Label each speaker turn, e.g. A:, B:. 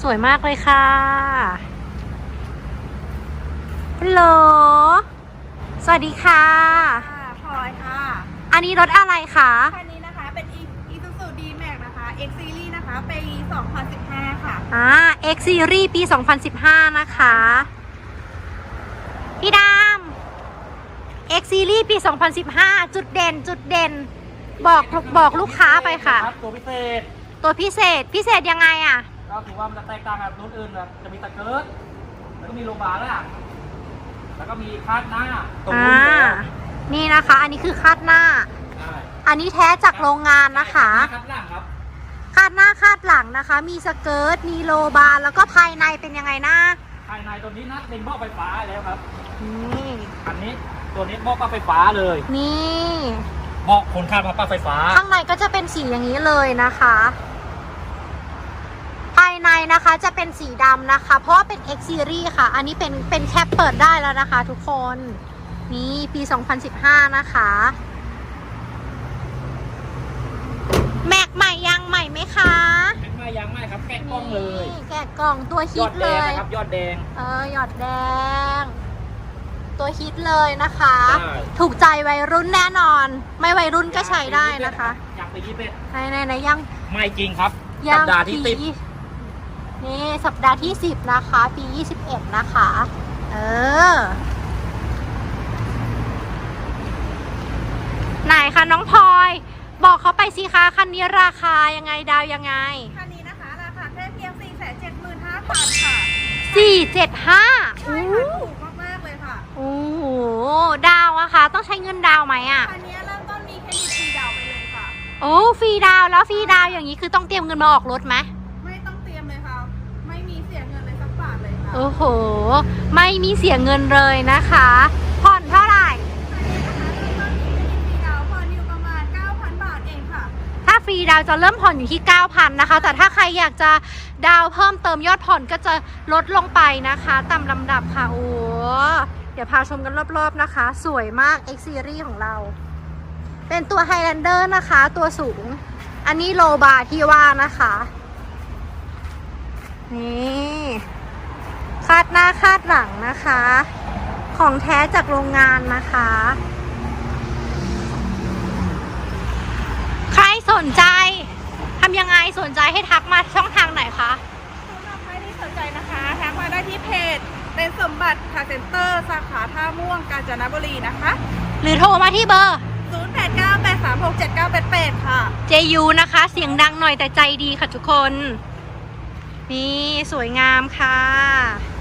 A: สวยมากเลยค่ะฮัลโหลสวัสดีค่ะ
B: พลอยค่ะ
A: อันนี้รถอะไรคะ
B: คันนี้นะคะเป็น Isuzu D-Max นะคะ X Series นะคะปี 2015 ค่ะ
A: X Series ปี 2015 นะคะพี่ดำ X Series ปี 2015 จุดเด่นบอกลูกค้าไปค่ะ
C: ตัวพิเศษ
A: พิเศษยังไงอ่ะ
C: ก็ถือว่ามันจะแตกต่างกับรุ่นอื่นนะจะมีตะเกิร์แล้วก็มีโลบาร์แล้วก็มีคาดหน้าตรงนู้น
A: นี่นะคะอันนี้คือคาดหน้าอันนี้แท้จากโรงงานนะคะ
C: คาดหลังครับ
A: คาดหน้าคาดหลังนะคะมีสเกิร์ตมีโลบาร์แล้วก็ภายในเป็นยังไงนะ
C: ภายในตัวนี้นะเป็นเบาะไฟฟ้าแล้วครับ
A: นี่
C: อันนี้ตัวนี้เบาะปลั๊กไฟฟ้าเลย
A: นี่
C: เบาะคนข้ามปลั๊กไฟฟ้า
A: ข้างในก็จะเป็นสีอย่างนี้เลยนะคะภายในนะคะจะเป็นสีดำนะคะเพราะว่าเป็น X Series ค่ะอันนี้เป็นแคปเปิดได้แล้วนะคะทุกคนนี่ปี 2015 นะคะแม็กใหม่ยังใหม่ไหมคะ
C: แม็กใหม่ยังใหม่ครับแกะกล่องเลย
A: แกะกล่องตัวฮิตเลย
C: ครับยอดแดง
A: หยอดแดงตัวฮิตเลยนะคะถูกใจวัยรุ่นแน่นอนไม่วัยรุ่นก็ใช้ได้นะคะ
C: ยังไป21
A: ในยัง
C: ไม่จริงครับสัปดาห์ที่10
A: นี่สัปดาห์ที่10นะคะปี21นะคะไหนคะน้องพลอยบอกเขาไปสิคะคันนี้ราคายังไงดาวยังไง
B: คันนี้นะคะราคาแค่เพียง 475,000 ค่ะ
A: 475
B: ใช่ค่ะถูกมากๆเลยค่ะ
A: โอ้โหดาวอะคะต้องใช้เงินดาวไหมอะ
B: คันนี้เริ่มต้นมีเครดิตฟรีดาวไปเลยค่ะ
A: โอ้ฟรีดาวแล้วฟรีดาวอย่างนี้คือต้องเตรียมเงินมาออกรถไหม
B: ไม่ต้องเตรียมเลยค่ะไม่มีเสียเงินเลยสักบาทเลยค่ะ
A: โอ้โหไม่มีเสียเงินเลยนะคะผ่อนเท่าไหร่ถ้าฟรีดาวจะเริ่มผ่อนอยู่ที่ 9,000 นะคะแต่ถ้าใครอยากจะดาวเพิ่มเติมยอดผ่อนก็จะลดลงไปนะคะตามลำดับค่ะโอ้เดี๋ยวพาชมกันรอบๆนะคะสวยมาก X Series ของเราเป็นตัว Highlander นะคะตัวสูงอันนี้โลบาร์ที่ว่านะคะนี่คาดหน้าคาดหลังนะคะของแท้จากโรงงานนะคะใครสนใจทำยังไงสนใจให้ทักมาช่องทางไหนคะ
B: สำหรับใครที่สนใจนะคะทักมาได้ที่เพจเป็นสมบัติคาร์เซ็นเตอร์สาขาท่าม่วงกาญจนบุรีนะคะ
A: หรือโทรมาที่เบอร์
B: 0898367988ค่ะ
A: JU นะคะเสียงดังหน่อยแต่ใจดีค่ะทุกคนนี่สวยงามค่ะ